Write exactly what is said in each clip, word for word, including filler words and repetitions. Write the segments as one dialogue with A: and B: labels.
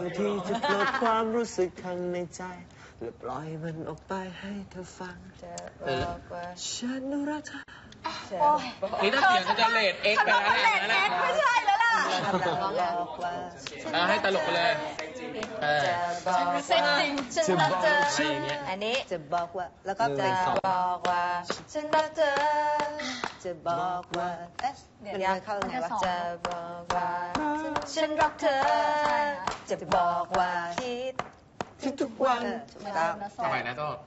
A: ที่จะปลดความรู้สึกข้างในใจและปล่อยมันออกไปให้เธอฟังจะบอกว่าฉันรักเธอ
B: นี่ถ้าเสียงจะเลดเอ็กซ์ไปแล้วเนี่ย
C: ไม่ใช่แล้วล่ะ
B: ให้ตลกไปเลย
C: เซ็งจริงฉันรักเธออันนี้จะบอกว่าแล้วก็จะบอกว่าฉันรักเธอจะบอกว่าเอ๊ะมันมาเข้าไงวะจะบอกว่าฉันรักเธอจะบอกว่าคิด
A: ทุกวัน
B: ทำไมนะโต้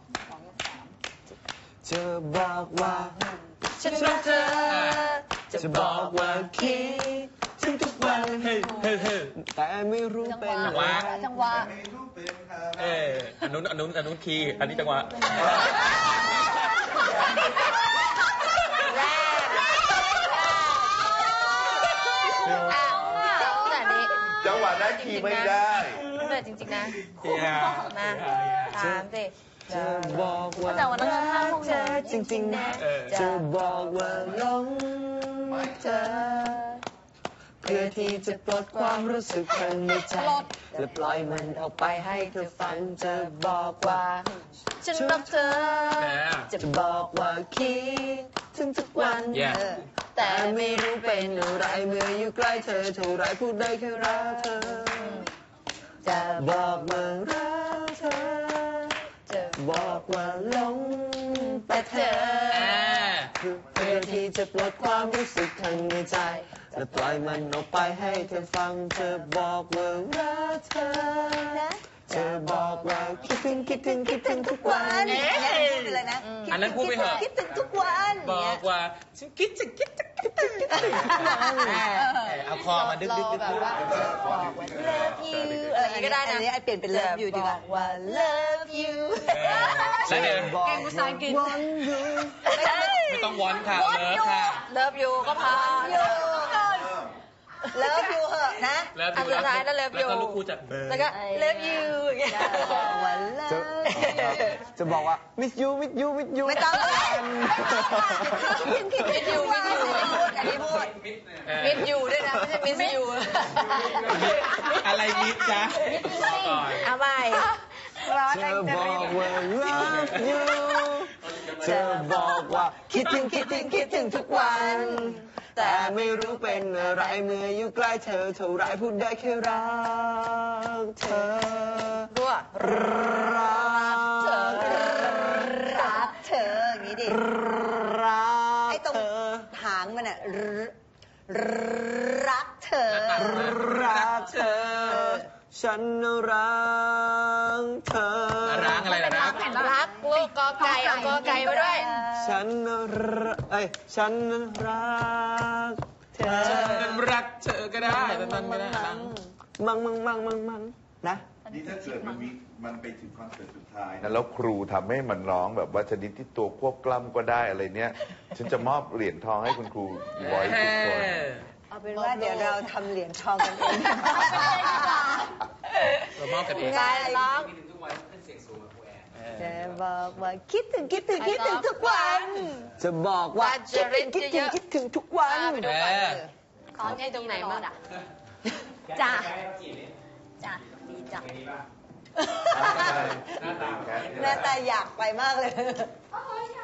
A: จะบอกว่า
C: ฉันรักเธอ
A: จะบอกว่าคิดถึงทุกวันเฮ้เฮ้เฮ้แต่ไม่รู้เป็น
B: จังหวะ
C: จังหวะ
B: เอออันนู้นอันนู้นอันนู้นคีย์อันนี้จังหวะ
D: จังหวะได้คีย์ไม่ได้
C: แต่จริงๆนะมาถามสิ
A: จะบอกว่า
C: แต่วันนั้นห้าโมงเธอ
A: จริงๆนะจะบอกว่าหลงเธอเพื่อที่จะปลดความรู้สึกข้างในใจและปล่อยมันออกไปให้เธอฟังจะบอกว่า
C: ฉันรักเธอ
A: จะบอกว่าคิดถึงทุกวันแต่ไม่รู้เป็นอะไรเมื่ออยู่ใกล้เธอเท่าไรพูดได้แค่รักเธอจะบอกว่ารักเธอจะบอกว่าหลงแต่เธอเพื่อที่จะปลดความรู้สึกข้างในใจและปล่อยมันออกไปให้เธอฟังเธอบอกว่ารักเธอเธอบอกว่าคิดถึงคิดถึงคิดถึงทุกวัน
B: อันนั้นพูดไปเถอะ
C: คิดถึงทุกวัน
B: บอกว่าฉันคิดจะคิดจะคิดเอาคอมาดึกดึกดึก
C: แบบว่าบอกว่า love you อะไรอย่างนี้ก็ได้นะอันนี้ไอเปลี่ยนเป็น love you ดีกว่าว่า love you
B: แล้วเดี๋ยว
C: เก่งภาษาอังกฤษ
B: ไม่ต้องวอนค่ะเลิฟค่ะ
C: love you ก็พอ love you เหอะนะอันสุดท้ายนั่น love you
B: แล้วก็ลูกคู่จัด
C: แล้วก็ love you อย่างเงี้ย
A: จะบอกว่า miss you miss you miss you
C: ไม่ต้องคิดคิด miss you miss you อันนี้พูด miss you ด้วยนะไม่ใช่ miss you
B: อะไร miss จ๊ะ
C: เอาใหม่
A: เธอบอกว่า love you เธอบอกว่าคิดถึงคิดถึงคิดถึงทุกวันแต่ไม่รู้เป็นอะไรเมื่ออยู่ใกล้เธอเท่าไรพูดได้แค่รักเธอ
C: รัว
A: รักเธอ
C: รักเธออย่างนี้ดิ
A: รัก
C: ไอ้ตรงหางมันอะรักเธอ
A: รักเธอฉันรักเธอ
B: รักอะไรล่ะรัก
C: รักลูกกอไก่เอากอไก่มาด้วย
A: ฉันรักเอ้ยฉันรักเธอ
B: ฉันรักเธอก็ได้แต่มันไม่ได้
A: มังมังมังมังมังนะ
D: นี่ถ้าเกิดมันมีมันไปถึงคอนเสิร์ตสุดท้ายนะแล้วครูทำให้มันร้องแบบว่าชนิดที่ตัวควบกล้ำก็ได้อะไรเนี้ยฉันจะมอบเหรียญทองให้คุณครูไว้ทุกคน
C: เอาเป็นว่าเดี๋ยวเราทำเหรียญทองกันเอง
B: เรามอบกันเอง
C: ใช่ร้องจะบอกว่าคิดถึงคิดถึงคิดถึงทุกวัน
A: จะบอกว่าคิดถึงคิดถึงคิดถึงทุกวัน
C: ขอให้ตรงไหนบ้างอ่ะจ้าจ้าดีจ้าหน้าตาอยากไปมากเลย